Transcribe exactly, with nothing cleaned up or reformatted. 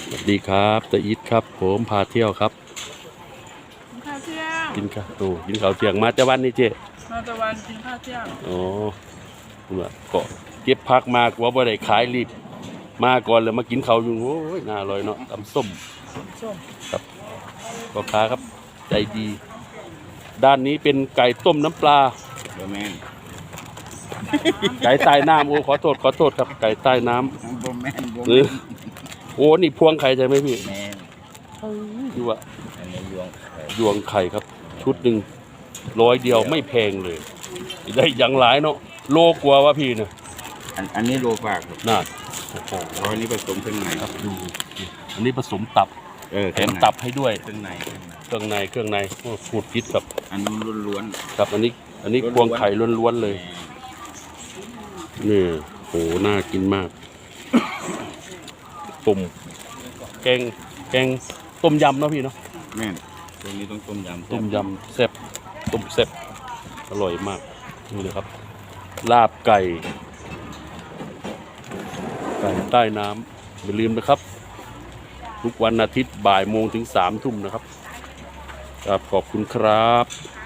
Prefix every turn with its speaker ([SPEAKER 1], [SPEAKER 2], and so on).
[SPEAKER 1] สวัสดีครับตาอีทครับผมพาเที่ยวครับ
[SPEAKER 2] กินข้าวเที่ยง
[SPEAKER 1] กินข้าวโอ้กินข้าวเที่ยงมาแต่วันนี้เจ๊
[SPEAKER 2] มาตะวันกินข้าวเที่ยง
[SPEAKER 1] อ๋อเกาะเก็บพักมากว่าบ่ได้ขายรีบมาก่อนเลยมากินข้าวอยู่โอ้ยน่าอร่อยเนาะตำส้ม
[SPEAKER 2] ส้ม
[SPEAKER 1] ครับพ่อค้าครับใจดีด้านนี้เป็นไก่ต้มน้ำปลา
[SPEAKER 3] เบอร์แมน
[SPEAKER 1] ไก่ใต้น้ำโอ้ขอโทษขอโทษครับไก่ใต้น้
[SPEAKER 3] เบอร์แมนเบอร์
[SPEAKER 1] ำเอ
[SPEAKER 3] แม
[SPEAKER 1] อนโอ้นี่พวงไข่ใช่ไหมพี่
[SPEAKER 3] แมน
[SPEAKER 1] ดูว่า
[SPEAKER 3] อันนี้ยวงไข่
[SPEAKER 1] ยวงไข่ครับชุดหนึ่งร้อยเดียวไม่แพงเลยได้อย่างหลายเนาะโลกว่าว่าพี่เนี่ย
[SPEAKER 3] อันอันนี้โลฝากครับ
[SPEAKER 1] น่า
[SPEAKER 3] โอ้โหอันนี้ผสมเครื่องใน
[SPEAKER 1] ครับดูอันนี้ผสมตับ
[SPEAKER 3] เออ
[SPEAKER 1] แถมตับให้ด้วย
[SPEAKER 3] เครื่องใน
[SPEAKER 1] เครื่องในเครื่องในโอ้ฟูดพิษครับ
[SPEAKER 3] อันนี้ล้วน
[SPEAKER 1] ครับอันนี้อันนี้พวงไข่ล้วนๆเลยนี่โหน่ากินมากตุ่มแกงแกงต้มยำเนาะพี่เนาะ
[SPEAKER 3] แม่นตรงนี้ต้องต้มยำ
[SPEAKER 1] ต้มยำแซ่บต้มแซ่บอร่อยมากนี่เลยครับลาบไก่ไก่ใต้น้ำอย่าลืมนะครับทุกวันอาทิตย์บ่ายโมงถึงสามทุ่มนะครับครับขอบคุณครับ